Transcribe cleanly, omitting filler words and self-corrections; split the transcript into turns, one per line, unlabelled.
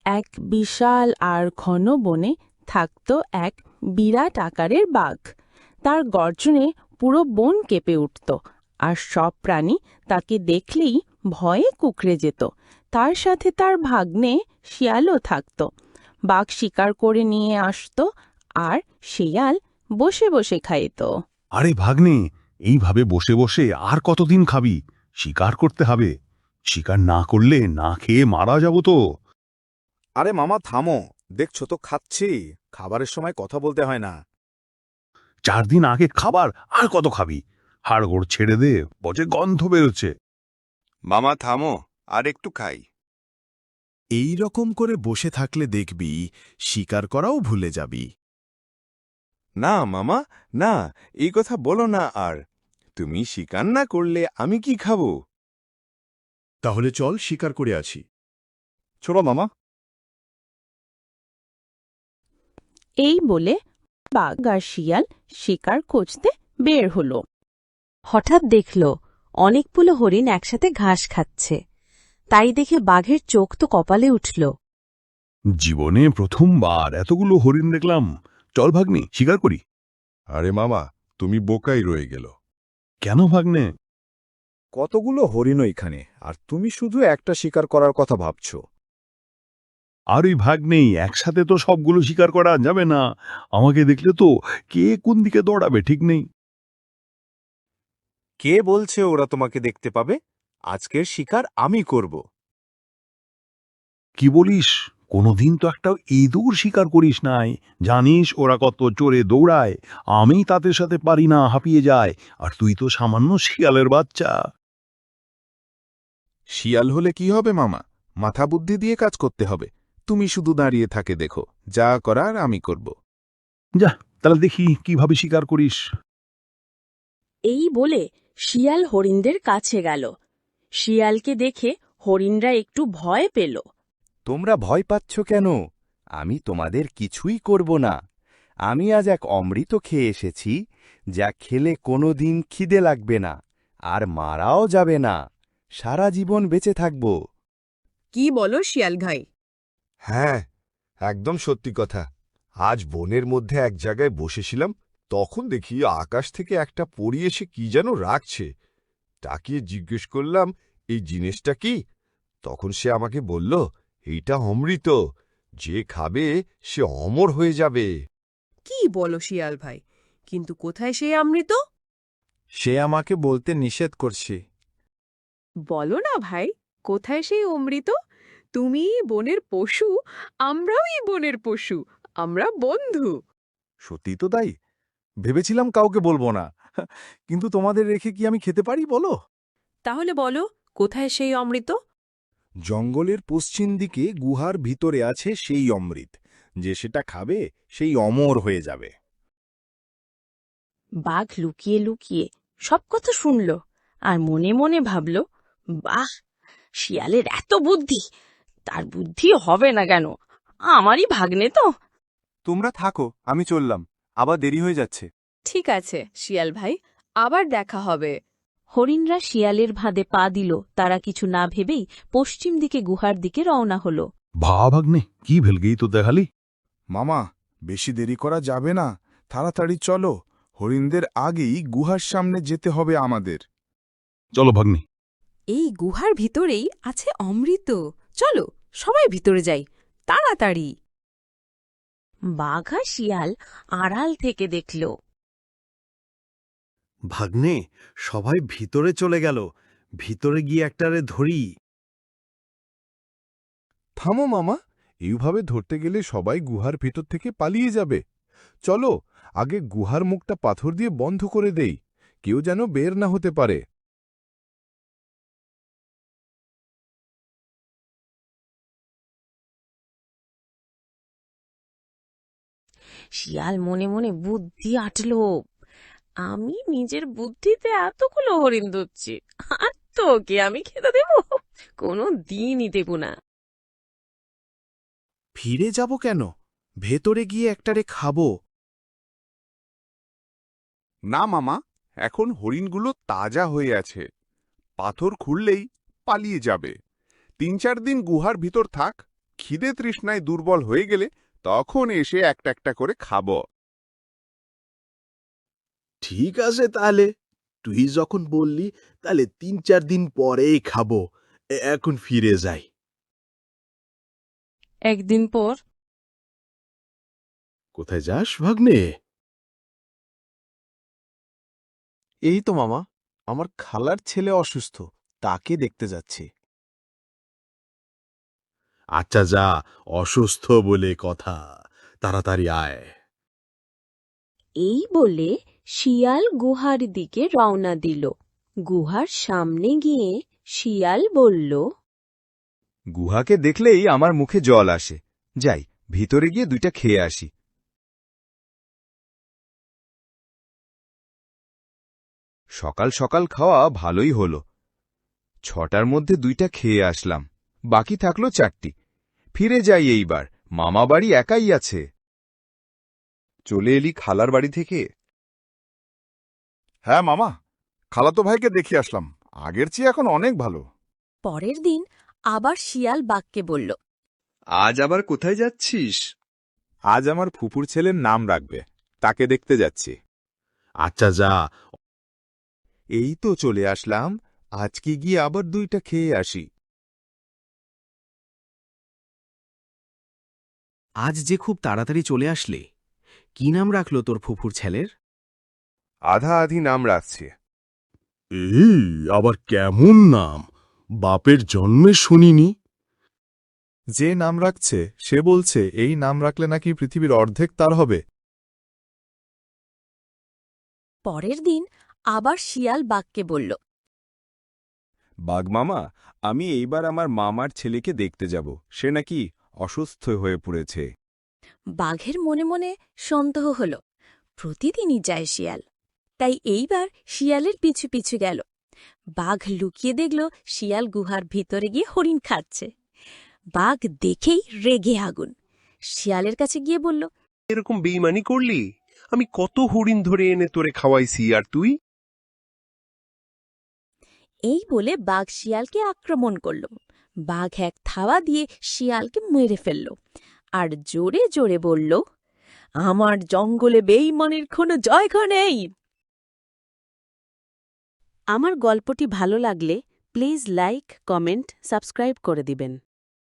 এক বিশাল আর ঘন বনে থাকত এক বিরাট আকারের বাঘ। তার গর্জনে পুরো বন কেঁপে উঠত, আর সব প্রাণী তাকে দেখলেই ভয়ে কুঁকড়ে যেত। তার সাথে তার ভাগ্নে শিয়ালও থাকত। বাঘ শিকার করে নিয়ে আসতো, আর শিয়াল বসে বসে খাইত।
আরে ভাগ্নে, এইভাবে বসে বসে আর কতদিন খাবি? শিকার করতে হবে। শিকার না করলে না খেয়ে মারা যাব তো।
আরে মামা থামো, দেখছো তো খাচ্ছি। খাবারের সময় কথা বলতে হয় না।
4 দিন আগে খাবার, আর কত খাবি? হাড়গোড় ছেড়ে দে, বচে গন্ধ বেরোচ্ছে।
মামা থামো, আর একটু খাই।
এই রকম করে বসে থাকলে দেখবি শিকার করাও ভুলে যাবি।
না মামা, না, এই কথা বলো না আর। তুমি শিকার না করলে আমি কি খাবো?
তাহলে চল শিকার করে আসি।
চলো মামা।
এই বলে বাঘ আর শিয়াল শিকার খুঁজতে বের হলো।
হঠাৎ দেখল অনেকগুলো হরিণ একসাথে ঘাস খাচ্ছে। তাই দেখে বাঘের চোখ তো কপালে উঠল।
জীবনে প্রথমবার এতগুলো হরিণ দেখলাম। চল ভাগ্নে, শিকার করি।
আরে মামা, তুমি বোকাই রয়ে গেল।
কেন ভাগ্নে?
কতগুলো হরিণ এখানে, আর তুমি শুধু একটা শিকার করার কথা ভাবছো।
আর ওই ভাগ্নেই, একসাথে তো সবগুলো শিকার করা যাবে না। আমাকে দেখলে তো কে কোন দিকে দৌড়াবে ঠিক নেই।
কে বলছে ওরা তোমাকে দেখতে পাবে? আজকের শিকার আমি করব।
কি বলিস? কোনোদিন তো একটা ইঁদুর শিকার করিস নাই। জানিস ওরা কত চড়ে দৌড়ায়। আমি তাদের সাথে পারি না, হাঁপিয়ে যায়। আর তুই তো সামান্য শিয়ালের বাচ্চা।
শিয়াল হলে কি হবে মামা? মাথা বুদ্ধি দিয়ে কাজ করতে হবে। তুমি শুধু দাঁড়িয়ে থাকে দেখো, যা করার আমি করব।
যা, তাহলে দেখি কিভাবে শিকার করিস।
এই বলে শিয়াল হরিণদের কাছে গেল। শিয়ালকে দেখে হরিণরা একটু ভয় পেল।
তোমরা ভয় পাচ্ছ কেন? আমি তোমাদের কিছুই করব না। আমি আজ এক অমৃত খেয়ে এসেছি, যা খেলে কোনোদিন খিদে লাগবে না, আর মারাও যাবে না। সারা জীবন বেঁচে থাকব।
কি বলো শিয়াল ভাই?
হ্যাঁ, একদম সত্যি কথা। আজ বনের মধ্যে এক জায়গায় বসেছিলাম, তখন দেখি আকাশ থেকে একটা পরী এসে কি যেন রাখছে। তাকিয়ে জিজ্ঞেস করলাম, এই জিনিসটা কি? তখন সে আমাকে বলল, এইটা অমৃত। যে খাবে সে অমর হয়ে যাবে।
কি বলো শিয়াল ভাই? কিন্তু কোথায় সেই অমৃত?
সে আমাকে বলতে নিষেধ করছে।
বলো না ভাই, কোথায় সেই অমৃত? তুমি বনের পশু, আমরাও এই বনের পশু। আমরা বন্ধু।
সত্যি তো তাই। ভেবেছিলাম কাউকে বলবো না, কিন্তু তোমাদের রেখে কি আমি খেতে পারি বলো?
তাহলে বলো, কোথায় সেই অমৃত?
জঙ্গলের পশ্চিম দিকে গুহার ভিতরে আছে সেই অমৃত। যে সেটা খাবে সেই অমর হয়ে যাবে।
বাঘ লুকিয়ে লুকিয়ে সব কথা শুনল, আর মনে মনে ভাবল, বাহ, শিয়ালের এত বুদ্ধি! তার বুদ্ধি হবে না কেন? আমারই ভাগ্নে তো।
তোমরা থাকো, আমি চললাম। আবার দেরি হয়ে যাচ্ছে।
ঠিক আছে শিয়াল ভাই, আবার দেখা হবে।
হরিণরা শিয়ালের ভাঁদে পা দিল। তারা কিছু না ভেবেই পশ্চিম দিকে গুহার দিকে রওনা হল।
ভাগ্নে, কি ভেলগেই তো দেখালি।
মামা, বেশি দেরি করা যাবে না। তাড়াতাড়ি চলো, হরিণদের আগেই গুহার সামনে যেতে হবে আমাদের।
চলো ভাগ্নে।
এই গুহার ভিতরেই আছে অমৃত। চলো সবাই ভিতরে যাই, তাড়াতাড়ি।
বাঘ আর শিয়াল আড়াল থেকে দেখল।
ভাগ্নে, সবাই ভিতরে চলে গেল। ভিতরে গিয়ে একটারে ধরি।
থামো মামা, এইভাবে ধরতে গেলে সবাই গুহার ভেতর থেকে পালিয়ে যাবে। চলো, আগে গুহার মুখটা পাথর দিয়ে বন্ধ করে দেই, কেউ যেন বের না হতে পারে।
শিয়াল মনে মনে বুদ্ধি আটল। আমি নিজের বুদ্ধিতে এতগুলো হরিণ ধরছি, আর তোকে আমি খেতে দেব? কোনো দিনই দেব না।
ফিরে যাব কেন? ভেতরে গিয়ে একটারে খাবো।
না মামা, এখন হরিণগুলো তাজা হয়ে আছে। পাথর খুললেই পালিয়ে যাবে। 3-4 দিন গুহার ভিতর থাক,
খিদে তৃষ্ণায় দুর্বল হয়ে গেলে তখন এসে একটা একটা করে খাব।
ঠিক আছে তাহলে, তুই যখন বললি তাহলে ৩-৪ দিন পরেই খাবো। এখন ফিরে যাই।
একদিন পর
কোথায় যাস ভাগ্নে?
এই তো মামা, আমার খালার ছেলে অসুস্থ, তাকে দেখতে যাচ্ছি।
আচ্ছা যা, অসুস্থ বলে কথা, তাড়াতাড়ি আয়।
এই বলে শিয়াল গুহার দিকে রওনা দিল। গুহার সামনে গিয়ে শিয়াল বলল,
গুহাকে দেখলেই আমার মুখে জল আসে। যাই, ভিতরে গিয়ে 2টা খেয়ে আসি। সকাল সকাল খাওয়া ভালোই হলো। 6টার মধ্যে 2টা খেয়ে আসলাম, বাকি থাকলো 4টি। ফিরে যাই এইবার, মামা বাড়ি একাই আছে।
চলে এলি খালার বাড়ি থেকে?
হ্যাঁ মামা, খালাতো ভাইকে দেখে আসলাম, আগের চেয়ে এখন অনেক ভালো।
পরের দিন আবার শিয়াল বাঘকে বলল,
আজ আবার কোথায় যাচ্ছিস?
আজ আমার ফুপুর ছেলের নাম রাখবে, তাকে দেখতে যাচ্ছি।
আচ্ছা যা।
এই তো চলে আসলাম, আজকে গিয়ে আবার 2টা খেয়ে আসি।
আজ যে খুব তাড়াতাড়ি চলে আসলে। কি নাম রাখলো তোর ফুফুর ছেলের?
আধা আধি নাম রাখছে।
এই আবার কেমন নাম? বাপের জন্মে শুনিনি।
যে নাম রাখছে সে বলছে এই নাম রাখলে নাকি পৃথিবীর অর্ধেক তার হবে।
পরের দিন আবার শিয়াল বাঘকে বলল,
বাঘ মামা, আমি এইবার আমার মামার ছেলেকে দেখতে যাব, সে নাকি অসুস্থ হয়ে পড়েছে।
বাঘের মনে মনে সন্দেহ হল, প্রতিদিনই যায় শিয়াল, তাই এইবার শিয়ালের পিছু পিছু গেল। বাঘ লুকিয়ে দেখল শিয়াল গুহার ভিতরে গিয়ে হরিণ খাচ্ছে। বাঘ দেখেই রেগে আগুন, শিয়ালের কাছে গিয়ে বলল,
এরকম বেইমানি করলি? আমি কত হরিণ ধরে এনে তোরে খাওয়াইছি, আর তুই?
এই বলে বাঘ শিয়ালকে আক্রমণ করল। বাঘ এক থাবা দিয়ে শিয়ালকে মেরে ফেলল আর জোরে জোরে বলল, আমার জঙ্গলে বেইমানির কোনো জায়গা নেই। আমার গল্পটি ভালো লাগলে প্লিজ লাইক, কমেন্ট, সাবস্ক্রাইব করে দিবেন।